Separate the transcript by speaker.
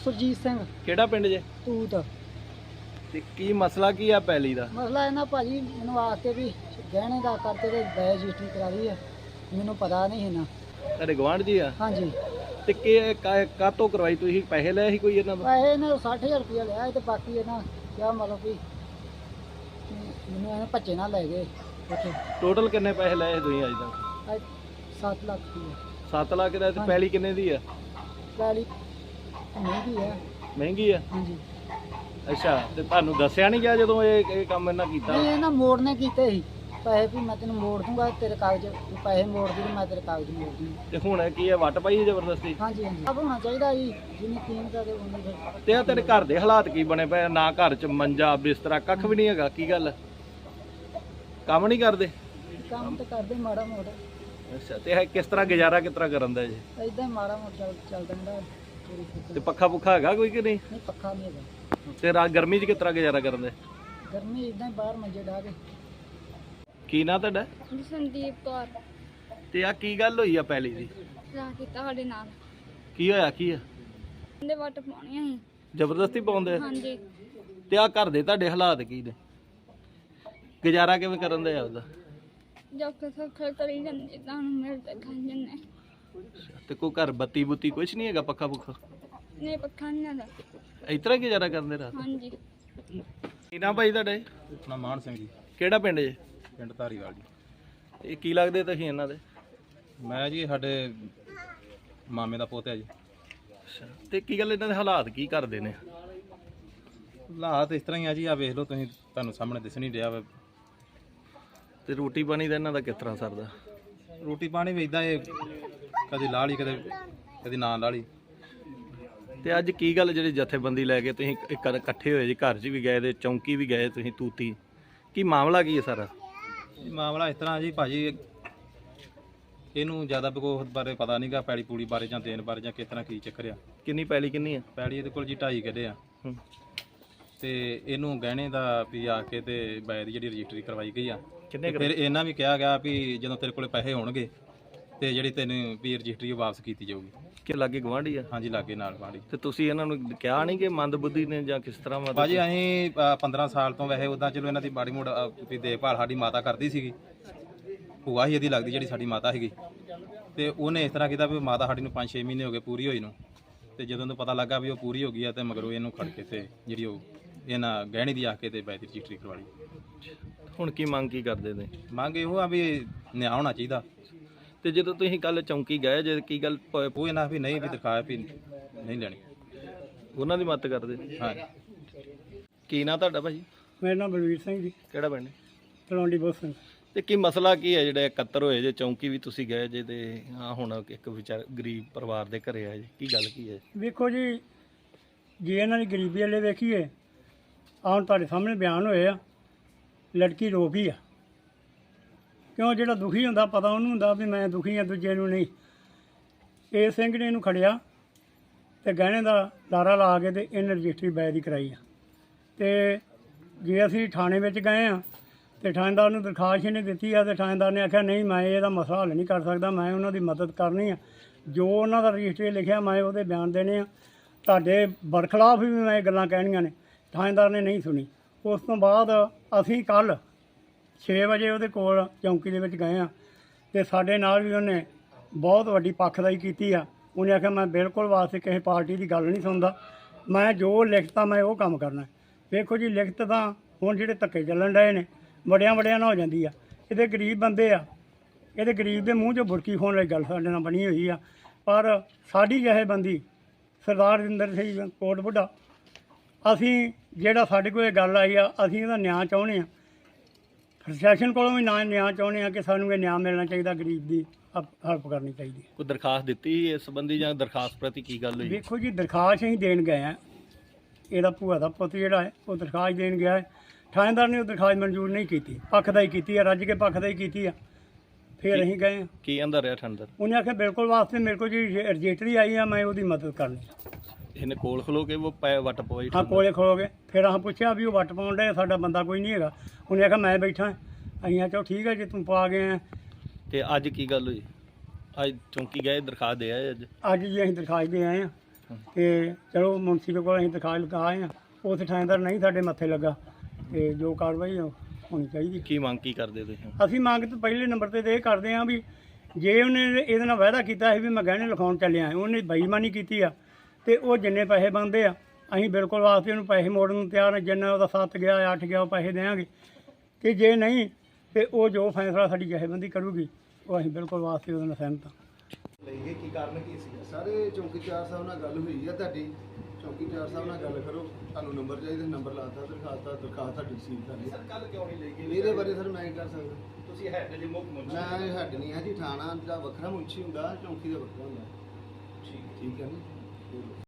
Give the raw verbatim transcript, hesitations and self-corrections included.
Speaker 1: सुरजीत सिंह
Speaker 2: ਕਿਹੜਾ ਪਿੰਡ ਜੇ
Speaker 1: तूत
Speaker 2: ਤੇ ਕੀ ਮਸਲਾ ਕੀ ਆ ਪੈਲੀ ਦਾ?
Speaker 1: मसला है ना भाजी मैनू आके भी गहने का करते थे बै रजिस्ट्री करा दी है मैनू पता नहीं है ना।
Speaker 2: ਤੁਹਾਡੇ ਗਵਾਂਢ ਜੀ ਆ
Speaker 1: हाँ जी
Speaker 2: ਤੇ ਕਿ ਕਾਤੋਂ ਕਰਵਾਈ ਤੁਸੀਂ? ਪੈਸੇ ਲਏ ਸੀ ਕੋਈ ਇਹਨਾਂ ਦਾ?
Speaker 1: पैसे ने साठ हज़ार रुपया लिया तो बाकी है ना क्या मतलब कि मैनू ऐ भज्जे ना लै गए उत्थे
Speaker 2: ਟੋਟਲ ਕਿੰਨੇ ਪੈਸੇ ਲਏ ਸੀ ਤੁਸੀਂ ਅੱਜ ਤੱਕ?
Speaker 1: अज सत्त लाख रुपया
Speaker 2: ਸੱਤ ਲੱਖ ਦਾ ਤੇ
Speaker 1: ਹਾਂਜੀ।
Speaker 2: ਪੈਲੀ ਕਿੰਨੇ ਦੀ ਆ?
Speaker 1: पैली महंगी है।
Speaker 2: ਮਹਿੰਗੀ ਆ?
Speaker 1: हाँ जी
Speaker 2: ਅੱਛਾ ਤੇ ਤੁਹਾਨੂੰ ਦੱਸਿਆ ਨਹੀਂ ਗਿਆ ਜਦੋਂ ਇਹ ਇਹ ਕੰਮ ਇਹਨਾਂ ਕੀਤਾ?
Speaker 1: नहीं ना मोड़ने कीते ही पैसे भी मैं तेन मोड़ दूंगा तेरे कागज पैसे मोड़ दी मैं तेरे कागज मोड़ दूंगा।
Speaker 2: ਤੇ ਹੁਣ ਕੀ ਹੈ ਵੱਟ ਪਾਈ ਜ਼ਬਰਦਸਤੀ?
Speaker 1: हाँ जी हाँ जी अब होना चाहिए जी जिन्नी कीमत है उन्नी फिर
Speaker 2: ਤੇ ਆ ਤੇਰੇ ਘਰ ਦੇ ਹਾਲਾਤ ਕੀ ਬਣੇ ਪਏ ਆ? ਨਾ ਘਰ ਚ ਮੰਜਾ ਬਿਸਤਰਾ ਕੱਖ ਵੀ ਨਹੀਂ ਹੈਗਾ, ਕੀ ਗੱਲ? ਕੰਮ ਨਹੀਂ ਕਰਦੇ?
Speaker 1: काम तो कर दे माड़ा मोटा
Speaker 2: ਅੱਛਾ ਤੇ ਇਹ ਕਿਸ ਤਰ੍ਹਾਂ ਗੁਜ਼ਾਰਾ ਕਿਸ ਤਰ੍ਹਾਂ ਕਰਨ ਦਾ ਜੀ?
Speaker 1: इदा ही माड़ा मोटा चल चल रहा
Speaker 2: ਤੇ ਪੱਖਾ ਪੁੱਖਾ ਹੈਗਾ ਕੋਈ ਕਿ ਨਹੀਂ?
Speaker 1: नहीं पक्का नहीं है
Speaker 2: ਤੇ ਰਾਤ ਗਰਮੀ ਚ ਕਿਸ ਤਰ੍ਹਾਂ ਗੁਜ਼ਾਰਾ ਕਰਨ ਦੇ?
Speaker 1: गर्मी इदा ही बाहर मंजे डा के
Speaker 2: ਕੀ ਨਾਂ ਤੁਹਾਡਾ?
Speaker 3: ਸੰਦੀਪ ਕੌਰ
Speaker 2: ਤੇ ਆ ਕੀ ਗੱਲ ਹੋਈ ਆ ਪੈਲੀ ਦੀ?
Speaker 3: ਰਾਹ ਕੀਤਾ ਸਾਡੇ ਨਾਲ
Speaker 2: ਕੀ ਹੋਇਆ ਕੀ ਆ?
Speaker 3: ਇਹਦੇ ਵੱਟ ਪਾਉਣੀਆਂ ਸੀ।
Speaker 2: ਜ਼ਬਰਦਸਤੀ ਪਾਉਂਦੇ ਆ?
Speaker 3: ਹਾਂਜੀ
Speaker 2: ਤੇ ਆ ਘਰ ਦੇ ਤੁਹਾਡੇ ਹਾਲਾਤ ਕੀ ਨੇ? ਗੁਜ਼ਾਰਾ ਕਿਵੇਂ ਕਰਨ ਦੇ ਆ ਉਹਦਾ?
Speaker 3: ਜਦ ਤੱਕ ਸੌਖਾ ਕਰੀ ਜਾਂਦੇ ਤੁਹਾਨੂੰ ਮਿਲ ਤੇ ਖਾਂ ਜੰਨੇ
Speaker 2: ਤੇ ਕੋਈ ਘਰ ਬੱਤੀ ਬੁੱਤੀ ਕੁਛ ਨਹੀਂ ਹੈਗਾ, ਪੱਖਾ ਪੁੱਖਾ?
Speaker 3: ਨੇ ਪੱਖਾ ਨਹੀਂ ਦਾ
Speaker 2: ਇਸ ਤਰ੍ਹਾਂ ਗੁਜ਼ਾਰਾ ਕਰਦੇ ਰਾਤ?
Speaker 3: ਹਾਂਜੀ
Speaker 2: ਕੀ ਨਾਂ ਭਾਈ ਤੁਹਾਡੇ?
Speaker 4: ਆਪਣਾ ਮਾਨ ਸਿੰਘ ਜੀ,
Speaker 2: ਕਿਹੜਾ ਪਿੰਡ ਜੇ?
Speaker 4: ਪਿੰਡ ਧਾਰੀਵਾਲ ਜੀ।
Speaker 2: ਇਹ ਕੀ ਲੱਗਦੇ ਤੁਸੀਂ ਇਹਨਾਂ ਦੇ?
Speaker 4: ਮੈਂ ਜੀ ਸਾਡੇ ਮਾਮੇ ਦਾ ਪੋਤਾ ਜੀ।
Speaker 2: ਅੱਛਾ ਤੇ ਕੀ ਗੱਲ ਇਹਨਾਂ ਦੇ ਹਾਲਾਤ ਕੀ ਕਰਦੇ ਨੇ?
Speaker 4: ਹਾਲਾਤ ਇਸ ਤਰ੍ਹਾਂ ਹੀ ਆ ਜੀ, ਆ ਵੇਖ ਲਓ ਤੁਸੀਂ, ਤੁਹਾਨੂੰ ਸਾਹਮਣੇ ਦਿਸ ਨਹੀਂ ਰਿਹਾ ਵਾ।
Speaker 2: ਤੇ ਰੋਟੀ ਪਾਣੀ ਦਾ ਇਹਨਾਂ ਦਾ ਕਿਸ ਤਰ੍ਹਾਂ ਸਰਦਾ?
Speaker 4: ਰੋਟੀ ਪਾਣੀ ਵੀ ਇਦਾਂ ਇਹ ਕਦੇ ਲਾ ਲਈ ਕਦੇ ਕਦੇ ਨਾ ਲਾ ਲਈ।
Speaker 2: ਤੇ ਅੱਜ ਕੀ ਗੱਲ ਜਿਹੜੀ ਜਥੇਬੰਦੀ ਲੈ ਕੇ ਤੁਸੀਂ ਇੱਕ ਇਕੱਠੇ ਹੋਏ ਜੀ, ਘਰ 'ਚ ਵੀ ਗਏ ਤੇ ਚੌਂਕੀ ਵੀ ਗਏ ਤੁਸੀਂ ਤੂਤੀ, ਕੀ ਮਾਮਲਾ ਕੀ ਹੈ ਸਾਰਾ?
Speaker 4: ਇਹ ਮਾਮਲਾ ਇਸ ਤਰ੍ਹਾਂ ਜੀ ਭਾਜੀ, ਇਹਨੂੰ ਜ਼ਿਆਦਾ ਬਗੋਹ ਬਾਰੇ ਪਤਾ ਨਹੀਂਗਾ, ਪੈਲੀ ਪੂੜੀ ਬਾਰੇ ਜਾਂ ਦੇਣ ਬਾਰੇ ਜਾਂ ਕਿਸ ਤਰ੍ਹਾਂ ਕੀ ਚੱਕਰ ਆ।
Speaker 2: ਕਿੰਨੀ ਪੈਲੀ ਕਿੰਨੀ ਆ?
Speaker 4: ਪੈਲੀ ਇਹਦੇ ਕੋਲ ਜੀ ਢਾਈ ਕਿੱਲੇ ਆ
Speaker 2: ਹੂੰ।
Speaker 4: ਤੇ ਇਹਨੂੰ ਗਹਿਣੇ ਦਾ ਵੀ ਆ ਕੇ ਤੇ ਬੈ ਦੀ ਜਿਹੜੀ ਰਜਿਸਟਰੀ ਕਰਵਾਈ ਗਈ ਆ।
Speaker 2: ਕਿੰਨੇ
Speaker 4: ਤੇ ਫਿਰ ਇਹਨਾਂ ਵੀ ਕਿਹਾ ਗਿਆ ਵੀ ਜਦੋਂ ਤੇਰੇ ਕੋਲੇ ਪੈਸੇ ਹੋਣਗੇ ਤੇ ਜਿਹੜੀ ਤੈਨੂੰ ਵੀ ਰਜਿਸਟਰੀ ਉਹ ਵਾਪਸ ਕੀਤੀ ਜਾਊਗੀ।
Speaker 2: ਕਿ ਲਾਗੇ ਗਵਾਂਢੀ ਆ?
Speaker 4: ਹਾਂਜੀ ਲਾਗੇ ਨਾਲ ਵਾੜੀ।
Speaker 2: ਤੇ ਤੁਸੀਂ ਇਹਨਾਂ ਨੂੰ ਕਿਹਾ ਨਹੀਂ ਕਿ ਮੰਦਬੁੱਧੀ ਨੇ ਜਾਂ ਕਿਸ ਤਰ੍ਹਾਂ? ਮਤਲਬ
Speaker 4: ਭਾਜੀ ਅਸੀਂ ਅ, ਪੰਦਰਾਂ ਸਾਲ ਤੋਂ ਵੈਸੇ ਉਦਾਂ ਚਲੋ ਇਹਨਾਂ ਦੀ ਬਾੜੀ ਮੋੜ ਵੀ ਦੇਖਭਾਲ ਸਾਡੀ ਮਾਤਾ ਕਰਦੀ ਸੀਗੀ, ਭੂਆ ਹੀ ਇਹਦੀ ਲੱਗਦੀ ਜਿਹੜੀ ਸਾਡੀ ਮਾਤਾ ਸੀਗੀ। ਤੇ ਉਹਨੇ ਇਸ ਤਰ੍ਹਾਂ ਕੀਤਾ ਵੀ ਮਾਤਾ ਸਾਡੀ ਨੂੰ ਪੰਜ ਛੇ ਮਹੀਨੇ ਹੋ ਗਏ ਪੂਰੀ ਹੋਈ ਨੂੰ, ਤੇ ਜਦੋਂ ਨੂੰ ਪਤਾ ਲੱਗਾ ਵੀ ਉਹ ਪੂਰੀ ਹੋ ਗਈ ਆ ਤੇ ਮਗਰੋਂ ਇਹਨੂੰ ਖੜ ਕੇ ਤੇ ਜਿਹੜੀ ਉਹ ਇਹਨਾਂ ਗਹਿਣੇ ਦੀ ਆ ਕੇ ਤੇ ਬੈਠ ਰਜਿਸਟਰੀ ਕਰਵਾ ਲਈ।
Speaker 2: ਹੁਣ ਕੀ ਮੰਗ ਕੀ ਕਰਦੇ ਨੇ?
Speaker 4: ਮੰਗ ਇਹੋ ਆ ਵੀ ਨਿਆਂ ਹੋਣਾ ਚਾਹੀਦਾ।
Speaker 2: ਤੇ ਜਦੋਂ ਤੁਸੀਂ ਕੱਲ ਚੌਂਕੀ ਗਏ ਜੇ ਕੀ ਗੱਲ ਪ-
Speaker 4: ਉਹ ਇਹਨਾਂ ਵੀ ਨਹੀਂ ਵੀ ਦਿਖਾਇਆ ਵੀ ਨਹੀਂ ਲੈਣੀ।
Speaker 2: ਉਹਨਾਂ ਦੀ ਮਦਦ ਕਰਦੇ?
Speaker 4: ਹਾਂ
Speaker 2: ਕੀ ਨਾਂ ਤੁਹਾਡਾ ਭਾਜੀ?
Speaker 1: मेरा नाम बलवीर सिंह जी
Speaker 2: ਕਿਹੜਾ ਪਿੰਡ?
Speaker 1: तलवंडी बहुत सिंह।
Speaker 2: ਤੇ ਕੀ ਮਸਲਾ ਕੀ ਹੈ ਜਿਹੜਾ ਇਕੱਤਰ ਹੋਏ ਜੇ ਚੌਂਕੀ ਵੀ ਤੁਸੀਂ ਗਏ ਜੇ ਤੇ ਆ ਹੁਣ ਇੱਕ ਵਿਚਾਰ ਗਰੀਬ ਪਰਿਵਾਰ ਦੇ ਘਰੇ ਆਏ ਜੇ, ਕੀ ਗੱਲ ਕੀ ਹੈ?
Speaker 1: ਵੇਖੋ ਜੀ ਜੇ ਇਹਨਾਂ ਦੀ ਗਰੀਬੀ ਵਾਲੇ ਵੇਖੀਏ ਆਹ ਹੁਣ ਤੁਹਾਡੇ ਸਾਹਮਣੇ ਬਿਆਨ ਹੋਏ ਆ, ਲੜਕੀ ਰੋ ਪਈ ਆ। ਕਿਉਂ ਜਿਹੜਾ ਦੁਖੀ ਹੁੰਦਾ ਪਤਾ ਉਹਨੂੰ ਹੁੰਦਾ ਵੀ ਮੈਂ ਦੁਖੀ ਆ, ਦੂਜੇ ਨੂੰ ਨਹੀਂ। ਇਹ ਸਿੰਘ ਨੇ ਇਹਨੂੰ ਖੜਿਆ ਤੇ ਗਹਿਣੇ ਦਾ ਲਾਰਾ ਲਾ ਕੇ ਤੇ ਇਹਨੇ ਰਜਿਸਟਰੀ ਬੈ ਦੀ ਕਰਾਈ ਆ। ਤੇ ਜੇ ਅਸੀਂ ਥਾਣੇ ਵਿੱਚ ਗਏ ਆ ਤੇ ਥਾਣੇਦਾਰ ਨੂੰ ਦਰਖਾਸਤ ਇਹਨੇ ਦਿੱਤੀ ਆ ਤੇ ਥਾਣੇਦਾਰ ਨੇ ਆਖਿਆ ਨਹੀਂ ਮੈਂ ਇਹਦਾ ਮਸਲਾ ਹੱਲ ਨਹੀਂ ਕਰ ਸਕਦਾ, ਮੈਂ ਉਹਨਾਂ ਦੀ ਮਦਦ ਕਰਨੀ ਆ, ਜੋ ਉਹਨਾਂ ਦਾ ਰਜਿਸਟਰੀ ਲਿਖਿਆ ਮੈਂ ਉਹਦੇ ਬਿਆਨ ਦੇਣੇ ਆ, ਤੁਹਾਡੇ ਬਰਖਲਾਫ ਵੀ ਮੈਂ ਇਹ ਗੱਲਾਂ ਕਹਿਣੀਆਂ ਨੇ। ਥਾਣੇਦਾਰ ਨੇ ਨਹੀਂ ਸੁਣੀ। ਉਸ ਤੋਂ ਬਾਅਦ ਅਸੀਂ ਕੱਲ੍ਹ ਛੇ ਵਜੇ ਉਹਦੇ ਕੋਲ ਚੌਂਕੀ ਦੇ ਵਿੱਚ ਗਏ ਆ ਤੇ ਸਾਡੇ ਨਾਲ ਵੀ ਉਹਨੇ ਬਹੁਤ ਵੱਡੀ ਪੱਖਦਾਈ ਕੀਤੀ ਆ। ਉਹਨੇ ਆਖਿਆ ਮੈਂ ਬਿਲਕੁਲ ਵਾਸਤੇ ਕਿਸੇ ਪਾਰਟੀ ਦੀ ਗੱਲ ਨਹੀਂ ਸੁਣਦਾ, ਮੈਂ ਜੋ ਲਿਖਤਾ ਮੈਂ ਉਹ ਕੰਮ ਕਰਨਾ। ਵੇਖੋ ਜੀ ਲਿਖਤ ਤਾਂ ਹੁਣ ਜਿਹੜੇ ਧੱਕੇ ਚੱਲਣ ਡਏ ਨੇ ਵੱਡਿਆਂ ਵੱਡਿਆਂ ਨਾਲ ਹੋ ਜਾਂਦੀ ਆ। ਇਹਦੇ ਗਰੀਬ ਬੰਦੇ ਆ, ਇਹਦੇ ਗਰੀਬ ਦੇ ਮੂੰਹ 'ਚੋਂ ਬੁਰਕੀ ਖੋਣ ਵਾਲੀ ਗੱਲ ਸਾਡੇ ਨਾਲ ਬਣੀ ਹੋਈ ਆ। ਪਰ ਸਾਡੀ ਜਥੇਬੰਦੀ ਸਰਦਾਰ ਰਜਿੰਦਰ ਸਿੰਘ ਕੋਟ ਬੁੱਢਾ, ਅਸੀਂ ਜਿਹੜਾ ਸਾਡੇ ਕੋਲ ਇਹ ਗੱਲ ਆਈ ਆ ਅਸੀਂ ਇਹਦਾ ਨਿਆਂ ਚਾਹੁੰਦੇ ਆ। ਪ੍ਰਸ਼ਾਸਨ ਕੋਲੋਂ ਵੀ ਨਾ ਨਿਆਂ ਚਾਹੁੰਦੇ ਆ ਕਿ ਸਾਨੂੰ ਇਹ ਨਿਆਂ ਮਿਲਣਾ ਚਾਹੀਦਾ, ਗਰੀਬ ਦੀ ਹੈਲਪ ਕਰਨੀ ਚਾਹੀਦੀ ਹੈ।
Speaker 2: ਕੋਈ ਦਰਖਾਸਤ ਦਿੱਤੀ ਇਸ ਸੰਬੰਧੀ ਜਾਂ ਦਰਖਾਸਤ ਪ੍ਰਤੀ ਕੀ ਗੱਲ ਹੋਈ?
Speaker 1: ਵੇਖੋ ਜੀ ਦਰਖਾਸਤ ਅਸੀਂ ਦੇਣ ਗਏ ਆ, ਇਹਦਾ ਭੂਆ ਦਾ ਪੁੱਤ ਜਿਹੜਾ ਹੈ ਉਹ ਦਰਖਾਸਤ ਦੇਣ ਗਿਆ ਹੈ। ਥਾਣੇਦਾਰ ਨੇ ਉਹ ਦਰਖਾਸਤ ਮਨਜ਼ੂਰ ਨਹੀਂ ਕੀਤੀ, ਪੱਖਦਾਈ ਕੀਤੀ ਆ, ਰੱਜ ਕੇ ਪੱਖਦਾਈ ਕੀਤੀ ਆ। ਫਿਰ ਅਸੀਂ ਗਏ ਆ,
Speaker 2: ਕੀ ਅੰਦਰ ਰਿਹਾ ਠੰਡਰ?
Speaker 1: ਉਹਨੇ ਆਖਿਆ ਬਿਲਕੁਲ ਵਾਸਤੇ ਮੇਰੇ ਕੋਲ ਜੀ ਰਜਿਸਟਰੀ ਆਈ ਆ, ਮੈਂ ਉਹਦੀ ਮਦਦ ਕਰਨੀ।
Speaker 2: ਇਹਨੇ ਕੋਲ ਖਲੋ ਕੇ ਉਹ ਪੈ ਵੱਟ ਪਵਾਈ?
Speaker 1: ਹਾਂ ਕੋਲੇ ਖਲੋ ਗਏ। ਫਿਰ ਅਸੀਂ ਪੁੱਛਿਆ ਵੀ ਉਹ ਵੱਟ ਪਾਉਣ ਡਿਆ, ਸਾਡਾ ਬੰਦਾ ਕੋਈ ਨਹੀਂ ਹੈਗਾ। ਉਹਨੇ ਆਖਿਆ ਮੈਂ ਬੈਠਾ। ਅਸੀਂ ਆਖਿਆ ਠੀਕ ਹੈ ਜੇ ਤੂੰ ਪਾ ਗਏ ਆ।
Speaker 2: ਤੇ ਅੱਜ ਕੀ ਗੱਲ ਹੋਈ? ਅੱਜ ਚੌਂਕੀ ਗਏ ਦਰਖਾਸਤ ਦੇ ਆਏ? ਅੱਜ
Speaker 1: ਅੱਜ ਜੀ ਅਸੀਂ ਦਰਖਾਸਤ ਦੇ ਆਏ ਆ ਤੇ ਚਲੋ ਮੁਨਸੀ ਦੇ ਕੋਲ ਅਸੀਂ ਦਿਖਾ ਲਿਖਾ ਆਏ ਹਾਂ, ਉਸ ਥਾਣੇਦਾਰ ਨਹੀਂ ਸਾਡੇ ਮੱਥੇ ਲੱਗਾ, ਤੇ ਜੋ ਕਾਰਵਾਈ ਉਹ ਹੋਣੀ ਚਾਹੀਦੀ।
Speaker 2: ਕੀ ਮੰਗ ਕੀ ਕਰਦੇ ਤੁਸੀਂ?
Speaker 1: ਅਸੀਂ ਮੰਗ ਤਾਂ ਪਹਿਲੇ ਨੰਬਰ ਤੇ ਤਾਂ ਇਹ ਕਰਦੇ ਹਾਂ ਵੀ ਜੇ ਉਹਨੇ ਇਹਦੇ ਨਾਲ ਵਾਅਦਾ ਕੀਤਾ ਸੀ ਵੀ ਮੈਂ ਗਹਿਣੇ ਲਿਖਾਉਣ ਚੱਲਿਆ, ਉਹਨੇ ਬੇਈਮਾਨੀ ਕੀਤੀ ਆ, ਤੇ ਉਹ ਜਿੰਨੇ ਪੈਸੇ ਬਣਦੇ ਆ ਅਸੀਂ ਬਿਲਕੁਲ ਵਾਸਤੇ ਉਹਨੂੰ ਪੈਸੇ ਮੋੜਨ ਨੂੰ ਤਿਆਰ ਹਾਂ। ਜਿੰਨਾ ਉਹਦਾ ਸੱਤ ਗਿਆ ਅੱਠ ਗਿਆ ਉਹ ਪੈਸੇ ਦੇਵਾਂਗੇ, ਤੇ ਜੇ ਨਹੀਂ ਤੇ ਉਹ ਜੋ ਫੈਸਲਾ ਸਾਡੀ ਜਥੇਬੰਦੀ ਕਰੂਗੀ ਉਹ ਅਸੀਂ ਬਿਲਕੁਲ ਵਾਸਤੇ ਉਹਦੇ ਨਾਲ ਸਹਿਮਤ ਹਾਂ।
Speaker 5: ਲਈਏ ਕੀ ਕਾਰਨ ਕੀ ਸੀ? ਸਾਰੇ ਚੌਕੀਦਾਰ ਸਾਹਿਬ ਨਾਲ ਗੱਲ ਹੋਈ ਆ ਤੁਹਾਡੀ, ਚੌਕੀਦਾਰ ਸਾਹਿਬ ਨਾਲ ਗੱਲ ਕਰੋ, ਤੁਹਾਨੂੰ ਨੰਬਰ ਚਾਹੀਦਾ, ਨੰਬਰ ਲਾਤਾ, ਦਰਖਾਸਤ ਦਰਖਾਸਤ ਤੁਹਾਡੀ ਰਿਸੀਵ ਕਰ ਲਈ। ਸਰ ਕੱਲ ਕਿਉਂ ਨਹੀਂ ਲਈ ਗਈ? ਇਹਦੇ ਬਾਰੇ ਸਰ ਮੈਂ ਕੀ ਕਰ ਸਕਦਾ? ਤੁਸੀਂ ਹੈਡ ਜੀ ਮੁੱਖ ਮੁਨਸ਼ੀ? ਮੈਂ ਹੈਡ ਨਹੀਂ ਹੈ ਜੀ, ਥਾਣਾ ਦਾ ਵੱਖਰਾ ਮੁਨਸ਼ੀ ਹੁੰਦਾ, ਚੌਂਕੀ ਦਾ ਵੱਖਰਾ ਹੁੰਦਾ। ਠੀਕ ਠੀਕ ਹੈ ਨਾ।